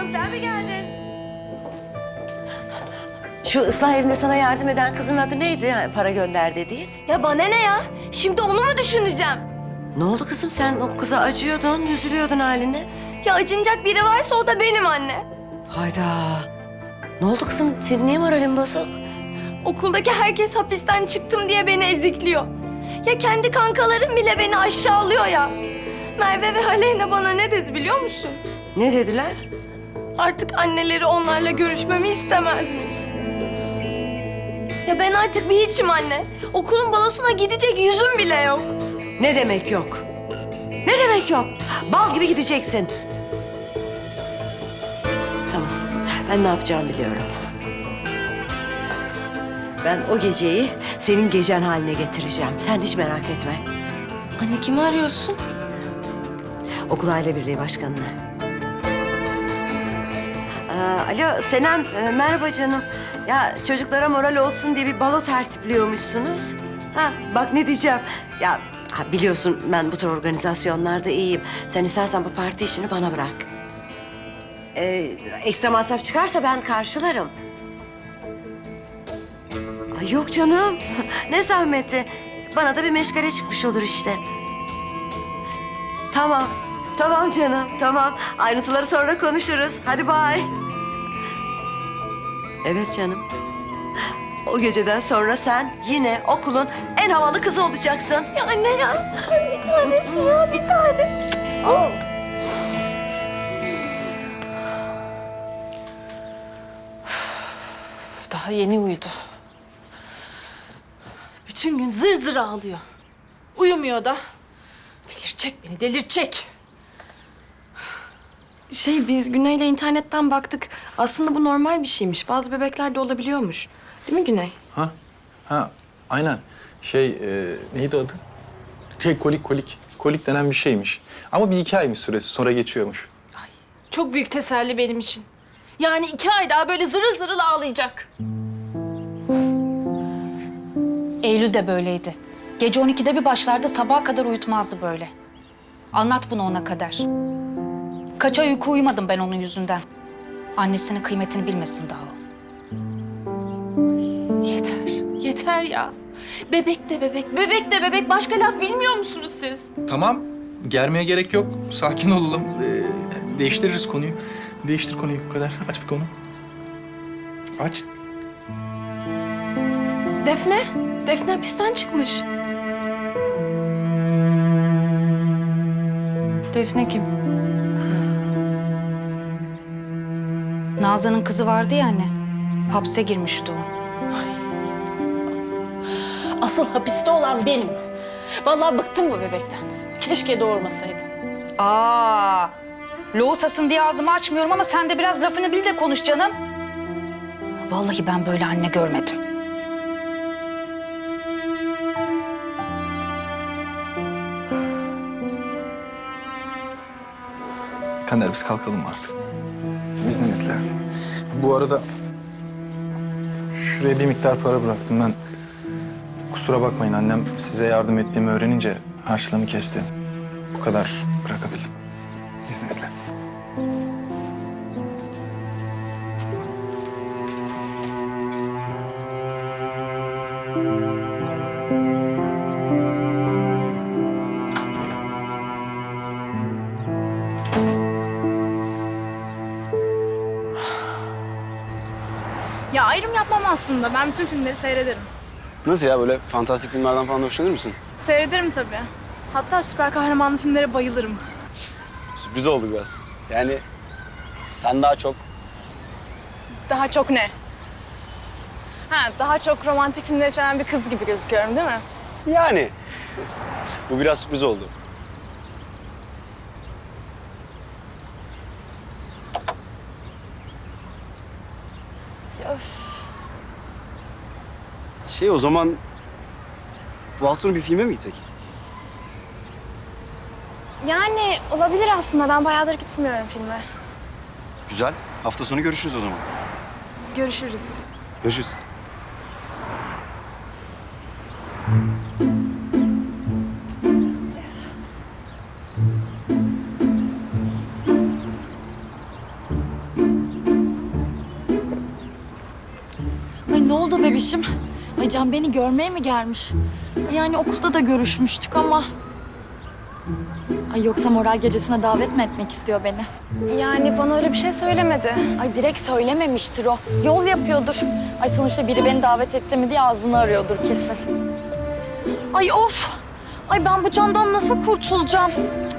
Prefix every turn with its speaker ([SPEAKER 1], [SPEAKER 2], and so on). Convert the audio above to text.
[SPEAKER 1] kızım sen mi geldin? Şu ıslah evinde sana yardım eden kızın adı neydi? Yani para gönder dediğin.
[SPEAKER 2] Ya bana ne ya? Şimdi onu mu düşüneceğim?
[SPEAKER 1] Ne oldu kızım? Sen o kıza acıyordun, üzülüyordun haline.
[SPEAKER 2] Ya acınacak biri varsa o da benim anne.
[SPEAKER 1] Hayda. Ne oldu kızım? Senin niye moralin bozuk?
[SPEAKER 2] Okuldaki herkes hapisten çıktım diye beni ezikliyor. Ya kendi kankalarım bile beni aşağılıyor ya. Merve ve Aleyna bana ne dedi biliyor musun?
[SPEAKER 1] Ne dediler?
[SPEAKER 2] Artık anneleri onlarla görüşmemi istemezmiş. Ya ben artık bir hiçim anne. Okulun balosuna gidecek yüzüm bile yok.
[SPEAKER 1] Ne demek yok? Ne demek yok? Bal gibi gideceksin. Tamam. Ben ne yapacağımı biliyorum. Ben o geceyi senin gecen haline getireceğim. Sen hiç merak etme.
[SPEAKER 2] Anne kimi arıyorsun?
[SPEAKER 1] Okul Aile Birliği Başkanı'nı. Alo Senem, merhaba canım. Ya çocuklara moral olsun diye bir balo tertipliyormuşsunuz. Ha bak ne diyeceğim. Ya biliyorsun ben bu tür organizasyonlarda iyiyim. Sen istersen bu parti işini bana bırak. Ekstra masraf çıkarsa ben karşılarım. Ay yok canım. Ne zahmeti. Bana da bir meşgale çıkmış olur işte. Tamam. Tamam canım, tamam. Ayrıntıları sonra konuşuruz. Hadi bay. Evet canım. O geceden sonra sen yine okulun en havalı kızı olacaksın.
[SPEAKER 2] Ya anne ya. Bir tanesi ya bir tane. Oh.
[SPEAKER 3] Daha yeni uyudu. Bütün gün zır zır ağlıyor. Uyumuyor da. Delirtecek beni, delirtecek.
[SPEAKER 2] Biz Güney'le internetten baktık. Aslında bu normal bir şeymiş. Bazı bebeklerde olabiliyormuş. Değil mi Güney?
[SPEAKER 4] Ha, aynen. Neydi adı? Kolik. Kolik denen bir şeymiş. Ama bir 2 aymış süresi, sonra geçiyormuş.
[SPEAKER 3] Çok büyük teselli benim için. Yani 2 ay daha böyle zırıl zırıl ağlayacak.
[SPEAKER 5] Eylül de böyleydi. Gece 12'de bir başlardı, sabaha kadar uyutmazdı böyle. Anlat bunu ona kadar. Kaç ay uyku uyumadım ben onun yüzünden. Annesinin kıymetini bilmesin daha o.
[SPEAKER 3] Yeter ya. Bebek de bebek, bebek de bebek. Başka laf bilmiyor musunuz siz?
[SPEAKER 4] Tamam, germeye gerek yok. Sakin olalım. Değiştiririz konuyu. Değiştir konuyu bu kadar. Aç bir konu. Aç.
[SPEAKER 2] Defne. Defne hapisten çıkmış.
[SPEAKER 3] Defne kim?
[SPEAKER 5] Nazan'ın kızı vardı ya anne. Hapse girmişti o.
[SPEAKER 3] Asıl hapiste olan benim. Vallahi bıktım bu bebekten. Keşke doğurmasaydım.
[SPEAKER 5] Loğusasın diye ağzımı açmıyorum ama sen de biraz lafını bil de konuş canım. Vallahi ben böyle anne görmedim.
[SPEAKER 4] Kader biz kalkalım artık. İzninizle. Bu arada şuraya bir miktar para bıraktım ben. Kusura bakmayın annem size yardım ettiğimi öğrenince harçlığımı kesti. Bu kadar bırakabildim. İzninizle.
[SPEAKER 6] Ya ayrım yapmam aslında. Ben bütün filmleri seyrederim.
[SPEAKER 7] Nasıl ya, böyle fantastik filmlerden falan hoşlanır mısın?
[SPEAKER 6] Seyrederim tabii. Hatta süper kahramanlı filmlere bayılırım.
[SPEAKER 7] Sürpriz oldu biraz. Yani sen daha çok...
[SPEAKER 6] Daha çok ne? Daha çok romantik filmleri seven bir kız gibi gözüküyorum değil mi?
[SPEAKER 7] Yani. Bu biraz sürpriz oldu. O zaman bu hafta sonu bir filme mi gitsek?
[SPEAKER 6] Yani olabilir aslında. Ben bayağıdır gitmiyorum filme.
[SPEAKER 7] Güzel. Hafta sonu görüşürüz o zaman.
[SPEAKER 6] Görüşürüz.
[SPEAKER 7] Görüşürüz.
[SPEAKER 6] Ay ne oldu bebişim? Ay Can beni görmeye mi gelmiş? Yani okulda da görüşmüştük ama... Ay yoksa moral gecesine davet mi etmek istiyor beni? Yani bana öyle bir şey söylemedi. Ay direkt söylememiştir o. Yol yapıyordur. Ay sonuçta biri beni davet etti mi diye ağzını arıyordur kesin. Ay of! Ay ben bu Can'dan nasıl kurtulacağım? Cık.